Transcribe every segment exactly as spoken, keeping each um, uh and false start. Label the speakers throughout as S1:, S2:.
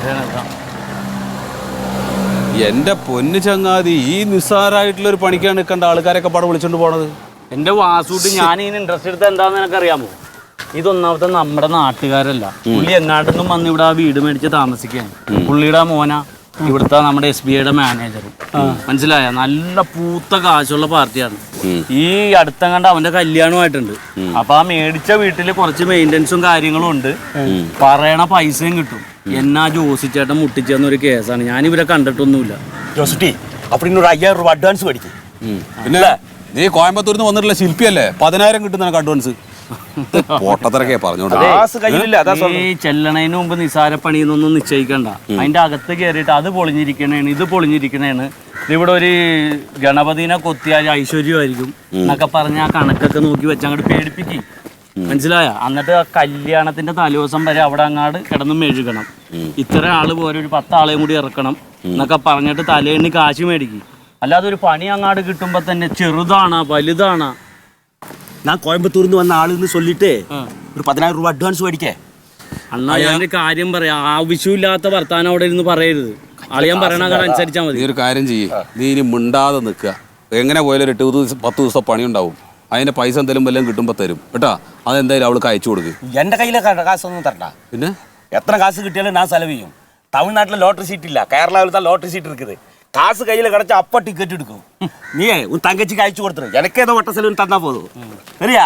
S1: എന്റെ പൊന്നു ചങ്ങാതി, ഈ നിസ്സാരായിട്ടുള്ള ഒരു പണിക്കാണ് നിൽക്കേണ്ട ആൾക്കാരൊക്കെ പാടെ വിളിച്ചോണ്ട് പോണത്.
S2: എന്റെ വാസൂട്ട് ഞാൻ ഇതിന് ഇൻട്രസ്റ്റ് എടുത്ത എന്താന്ന് എനിക്കറിയാമോ? ഇതൊന്നാമത്തെ നമ്മുടെ നാട്ടുകാരല്ല, പുള്ളി എങ്ങാട്ടൊന്നും വന്ന് ഇവിടെ ആ വീട് മേടിച്ച് താമസിക്കാൻ. പുള്ളിയുടെ മോന ഇവിടുത്തെ നമ്മുടെ എസ് ബി ഐയുടെ മാനേജർ. മനസ്സിലായ? നല്ല പൂത്ത കാശുള്ള പാർട്ടിയാണ്. ഈ അടുത്ത കണ്ട അവന്റെ കല്യാണമായിട്ടുണ്ട്. അപ്പൊ ആ മേടിച്ച വീട്ടില് കുറച്ച് മെയിൻ്റെനൻസും കാര്യങ്ങളും ഉണ്ട്. പറയണ പൈസയും കിട്ടും. എന്നാ ജോസിച്ചേട്ടൻ മുട്ടിച്ചെന്നൊരു കേസാണ്. ഞാൻ ഇവരെ കണ്ടിട്ടൊന്നുമില്ല.
S3: ജോസിറ്റി അപ്പൊ ഇന്നൊരു അയ്യായിരം രൂപ അഡ്വാൻസ് മേടിക്കും.
S1: പിന്നെ നീ കോയമ്പത്തൂരിൽ നിന്ന് വന്നിട്ടുള്ള ശില്പിയല്ലേ, പതിനായിരം കിട്ടുന്ന അഡ്വാൻസ്. പൊട്ടത്തിറക്കെ പറഞ്ഞോണ്ട്
S2: ഈ ചെല്ലണതിന് മുമ്പ് നിസാര പണിയൊന്നും നിശ്ചയിക്കണ്ട. അതിന്റെ അകത്ത് കയറിയിട്ട് അത് പൊളിഞ്ഞിരിക്കണേണ്, ഇത് പൊളിഞ്ഞിരിക്കണേണ്, ഇവിടെ ഒരു ഗണപതിനെ കൊത്തിയാൽ ഐശ്വര്യമായിരിക്കും എന്നൊക്കെ പറഞ്ഞ് ആ കണക്കൊക്കെ നോക്കി വെച്ച് അങ്ങോട്ട് പേടിപ്പിക്കും. മനസ്സിലായ? എന്നിട്ട് ആ കല്യാണത്തിന്റെ തലേദിവസം വരെ അവിടെ അങ്ങാട് കിടന്ന് മെഴുകണം. ഇത്ര ആള് പോരെ, ഒരു പത്താളെയും കൂടി ഇറക്കണം എന്നൊക്കെ പറഞ്ഞിട്ട് തലേണ്ണി കാശ് മേടിക്കും. അല്ലാതെ ഒരു പണി അങ്ങാട് കിട്ടുമ്പോ തന്നെ ചെറുതാണാ വലുതാണാ.
S3: ഞാൻ കോയമ്പത്തൂരിൽ നിന്ന് വന്ന ആളെന്ന് சொல்லிட்டு ഒരു പതിനായിരം രൂപ അഡ്വാൻസ് മേടിക്കേ.
S2: അണ്ണാ ഞാൻ കാര്യം പറയാം, ആവശ്യമില്ലാത്ത വർത്താനം അവിടെ ഇരുന്ന് പറയരുത്. അളിയാൻ പറയണ അനുസരിച്ചാൽ മതി.
S1: നീ ഒരു കാര്യം ചെയ്യ്, നീ ഇനി മിണ്ടാതെ നിൽക്കുക. എങ്ങനെ പോയാലും ഒരു എട്ട് ദിവസം പത്ത് ദിവസം പണി ഉണ്ടാവും. അതിന്റെ പൈസ എന്തെങ്കിലും വല്ലതും കിട്ടുമ്പോൾ തരും കേട്ടാ. അതെന്തായാലും അവൾക്ക് അയച്ചു കൊടുക്കും.
S3: എന്റെ കയ്യിലെ കാശൊന്നും തരണ്ട.
S1: പിന്നെ
S3: എത്ര കാശ് കിട്ടിയാലും ഞാൻ ചെലവ് ചെയ്യും. തമിഴ്നാട്ടിലെ ലോട്ടറി സീറ്റ് ഇല്ല, കേരളത്തിൽ ലോട്ടറി സീറ്റ് இருக்குது. காசு கையில் கிடச்சா அப்பா டிக்கெட் எடுக்கும். நீ உன் தங்கச்சிக்கு அழைச்சு கொடுத்துரு, எனக்கு ஏதோ ஒட்ட செலவுன்னு தந்தா போதும். சரியா?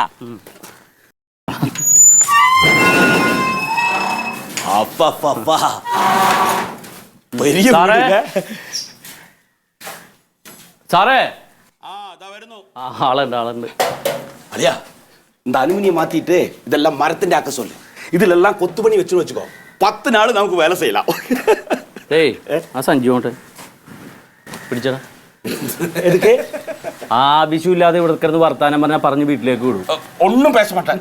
S3: அப்பா அப்பா பெரிய
S2: സാറേ, ആളുണ്ട് ആളുണ്ട്.
S3: അളിയാ, இந்த அலுமினியம் மாத்திட்டு இதெல்லாம் மரത്തിന്റെ ஆக்க சொல்லு. ഇതിലെല്ലാം കൊത്തുപണി വെച്ചു വെച്ചുക്കോ. പത്ത് നാൾ നമുക്ക് വേല ചെയ്യலாம்.
S2: ഏയ് ആ സഞ്ജു കൊണ്ട് പിടിച്ചടാ. ആവശ്യമില്ലാതെ ഇവിടെ കിടന്ന് വർത്താനം പറഞ്ഞാൽ പറഞ്ഞ് വീട്ടിലേക്ക് വിടും.
S3: ഒന്നും പേശ മാട്ടാൻ.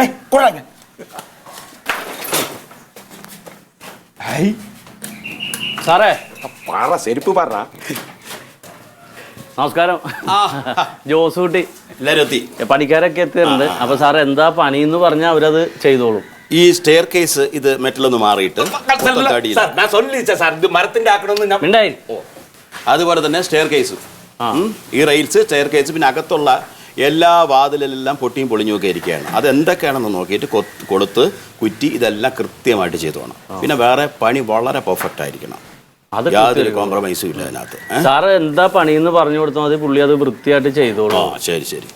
S2: സാറേ
S3: പറ, ചെരുപ്പ് പറ.
S2: നമസ്കാരം. ജോസ് കുട്ടി
S3: എല്ലാരും എത്തി,
S2: പണിക്കാരൊക്കെ എത്തിയിട്ടുണ്ട്. അപ്പൊ സാർ എന്താ പണി എന്ന് പറഞ്ഞാൽ അവരത് ചെയ്തോളും.
S4: ഈ സ്റ്റെയർ കേസ് ഇത് മെറ്റലൊന്ന് മാറിയിട്ട്
S3: മരത്തിന്റെ ആക്കണമെന്ന്.
S4: അതുപോലെ തന്നെ സ്റ്റെയർ കേസ്, ഈ റെയിൽസ്, സ്റ്റെയർ കേസ്, പിന്നെ അകത്തുള്ള എല്ലാ വാതിലെല്ലാം പൊട്ടിയും പൊളിഞ്ഞും ഒക്കെ ഇരിക്കുകയാണ്. അത് എന്തൊക്കെയാണെന്ന് നോക്കിയിട്ട് കൊടുത്ത് കുറ്റി ഇതെല്ലാം കൃത്യമായിട്ട് ചെയ്തു വേണം. പിന്നെ വേറെ പണി വളരെ പെർഫെക്റ്റ് ആയിരിക്കണം, യാതൊരു കോംപ്രമൈസും ഇല്ല അതിനകത്ത്.
S2: സാറ് എന്താ പണിയെന്ന് പറഞ്ഞു കൊടുത്താൽ മതി, പുള്ളി അത് വൃത്തിയായിട്ട് ചെയ്തോളൂ.
S4: ആ ശരി ശരി.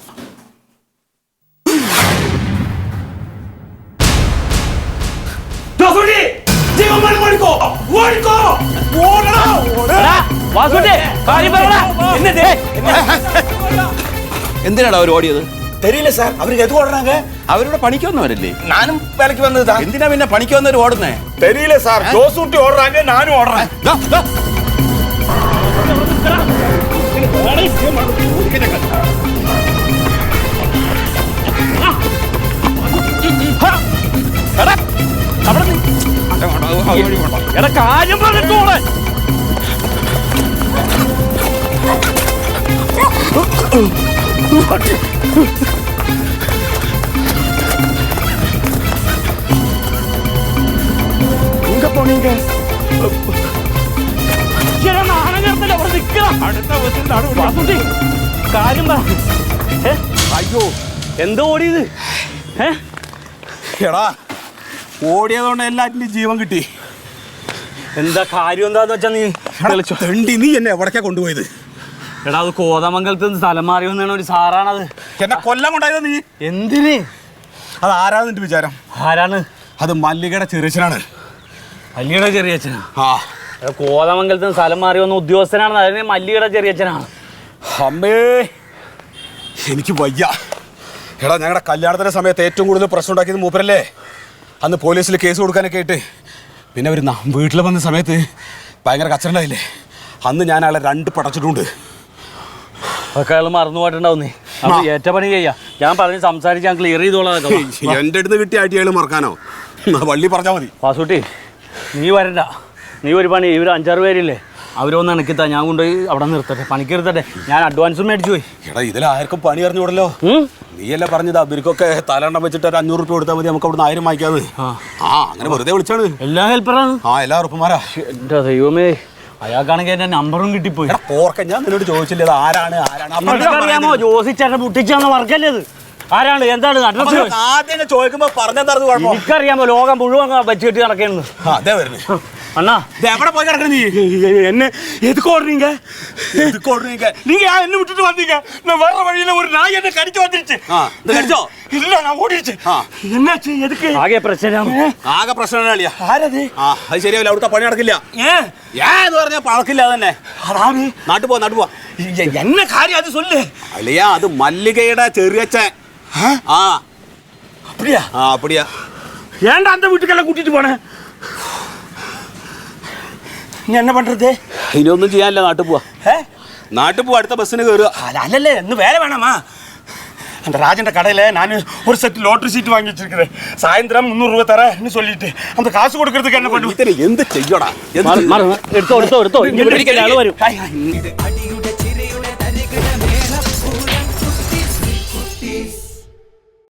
S4: എന്തിനാണ് അവർ ഓടിയത്?
S3: தெரியல சார். அவருக்கு எது ஓடுறாங்க?
S4: അവരുടെ പണിക്ക് വന്നവരല്ലേ?
S3: நானும் வேலைக்கு வந்ததுதான்.
S4: എന്തിനാ പിന്നെ പണിക്ക് വന്നവർ ഓടുന്നേ?
S3: தெரியல சார். ஜோசூட்டி ஓடுறாங்க, நானும் ஓடுறேன்.
S2: എടാ കാര്യം പറഞ്ഞിട്ടോളെ.
S3: எங்க போனீங்க?
S2: കാര്യം പറ.
S3: അയ്യോ,
S2: എന്താ ഓടിയത്?
S3: എടാ, ഓടിയതുകൊണ്ട് എല്ലാറ്റിനും ജീവൻ കിട്ടി.
S2: എന്താ കാര്യം എന്താന്ന് വെച്ചാ നീ
S3: തെണ്ടി, നീ എന്നെ എവിടേക്കാ കൊണ്ടുപോയത്?
S2: എടാ അത് കോതമംഗലത്ത് നിന്ന് സ്ഥലം മാറി വന്നാണ് ഒരു സാറാണത്.
S3: എന്നെ കൊല്ലം കൊണ്ടായത് നീ.
S2: എന്തിന്?
S3: അത് ആരാന്നിട്ട് വിചാരം?
S2: ആരാണ്?
S3: അത് മല്ലികയുടെ ചെറിയച്ഛനാണ്.
S2: മല്ലികയുടെ ചെറിയച്ഛനാ?
S3: ആ,
S2: കോതമംഗലത്ത് നിന്ന് സ്ഥലം മാറി വന്ന ഉദ്യോഗസ്ഥനാണ്. അതിന് മല്ലികയുടെ ചെറിയച്ഛനാണ്.
S3: അമ്മേ, എനിക്ക് വയ്യ. എടാ, ഞങ്ങളുടെ കല്യാണത്തിന്റെ സമയത്ത് ഏറ്റവും കൂടുതൽ പ്രശ്നം ഉണ്ടാക്കിയത് മൂപ്പരല്ലേ. അന്ന് പോലീസിൽ കേസ് കൊടുക്കാനൊക്കെ ആയിട്ട്. പിന്നെ അവർ വീട്ടിൽ വന്ന സമയത്ത് ഭയങ്കര കച്ചറുണ്ടായില്ലേ, അന്ന് ഞാൻ അയാളെ രണ്ട് പടച്ചിട്ടുണ്ട്.
S2: അതൊക്കെ അയാൾ മറന്നു പോയിട്ടുണ്ടാവും. നീ ഏറ്റ പണി ചെയ്യാ. ഞാൻ പറഞ്ഞ് സംസാരിച്ച് ഞാൻ ക്ലിയർ ചെയ്തോളാം.
S3: എൻ്റെ അടുത്ത് കിട്ടിയ ആയിട്ട് അയാൾ മറക്കാനോ? വള്ളി പറഞ്ഞാൽ മതി.
S2: വാസൂട്ടി, നീ വരണ്ട. നീ ഒരു പണി, ഇവർ അഞ്ചാറ് പേരില്ലേ, അവരൊന്ന് ഇണക്കിത്താ, ഞാൻ കൊണ്ടുപോയി അവിടെ നിർത്തട്ടെ, പണിക്ക് നിർത്തട്ടെ. ഞാൻ അഡ്വാൻസും മേടിച്ചു പോയി.
S3: എടാ ഇതിലാർക്കും പണി അറിഞ്ഞൂടല്ലോ. നീയല്ലേ പറഞ്ഞത് അവർക്കൊക്കെ തലണ്ണം വെച്ചിട്ട് ഒരു അഞ്ഞൂറ് റുപ്യ കൊടുത്താൽ മതി, നമുക്ക് അവിടെ നിന്ന് ആയിരം വാങ്ങിക്കാതെ. ആ അങ്ങനെ വെറുതെ വിളിച്ചാണ്.
S2: എല്ലാ ഹെൽപ്പറാണ്.
S3: ആ എല്ലാ ഉറപ്പുമാരാ.
S2: എന്റെ ദൈവമേ, അയാൾക്കാണെങ്കിൽ എന്റെ നമ്പറും കിട്ടിപ്പോയി.
S3: എടാ പോർക്ക, ഞാൻ നിന്നോട് ചോദിച്ചില്ല ഇത് ആരാണ് ആരാണ്
S2: അറിയാമോ? ജോസിച്ചേട്ടൻ പൊട്ടിച്ചാന്ന് വർക്കല്ലേ ഇത്? ആരാണ്, എന്താണ് അഡ്രസ്?
S3: ആദ്യം ചോദിക്കുമ്പോ പറഞ്ഞെന്തായിരുന്നു കുഴപ്പം?
S2: എനിക്കറിയാമോ ലോകം മുഴുവൻ വെച്ച് കെട്ടി നടക്കുന്നു.
S3: അതെ വരുന്നേ
S2: അണ്ണാ.
S3: എവിടെ പോയി കിടക്കണ നീ?
S5: என்ன எதுக்கு ஓடுறீங்க?
S3: எதுக்கு ஓடுறீங்க?
S5: நீங்க ஏன் என்ன விட்டுட்டு வந்தீங்க? நான் வர்ற வழியில ஒரு நாய் என்ன கடிச்சு வந்துருச்சு.
S3: ആ ഇത് കടിച്ചോ?
S5: இல்ல நான் ஓடிடுச்சு.
S3: ആ
S5: என்னாச்சு? எதுக்கு?
S2: ആകെ പ്രശ്നമാണ്.
S3: ആകെ പ്രശ്നമാണ് അളിയാ.
S5: ആരത്?
S3: ആ അത് ശരിയാവില്ല, അവിടുത്തെ പണി നടക്കില്ല.
S5: ஏன்?
S3: ഏ എന്ന് പറഞ്ഞാൽ പഴക്കില്ല തന്നെ.
S5: அதாரு
S3: നാട്ടു പോ നാട്ടു പോ.
S5: என்ன காரியம் அது சொல்லு.
S3: അളിയാ അത് മല്ലികയുടെ ചെറിയച്ഛൻ. ആ
S5: அப்படியா?
S3: ആ അപ്പടിയാ.
S5: ஏன்டா அந்த வீட்டுக்கெல்லாம் கூட்டிட்டு போன? நீ என்ன பண்றது?
S3: ഇനിയൊന്നും ചെയ്യാനില്ല, നാട്ടു പോവാ.
S5: ஏ?
S3: നാട്ടു പോവാ, അടുത്ത ബസ്സിന് കയറുക.
S5: அது அல்லல்ல, இன்னும் வேலை வேணாமா? அந்த ராஜன் கடையில் நான் ஒரு செட் லாட்டரி சீட் வாங்கி வச்சிருக்கிறேன். சாயந்தரம் முந்நூறுரூவா தரேன்னு சொல்லிட்டு அந்த காசு கொடுக்கறதுக்கு என்ன பண்ணுவேன்?
S3: ഇതിന് എന്ത് ചെയ്യടാ?
S2: എടുത്തോ എടുത്തോ എടുത്തോ, ഇനി ഇവിടെ ഇരിക്കുന്ന ആള് വരും.
S5: Hi hi.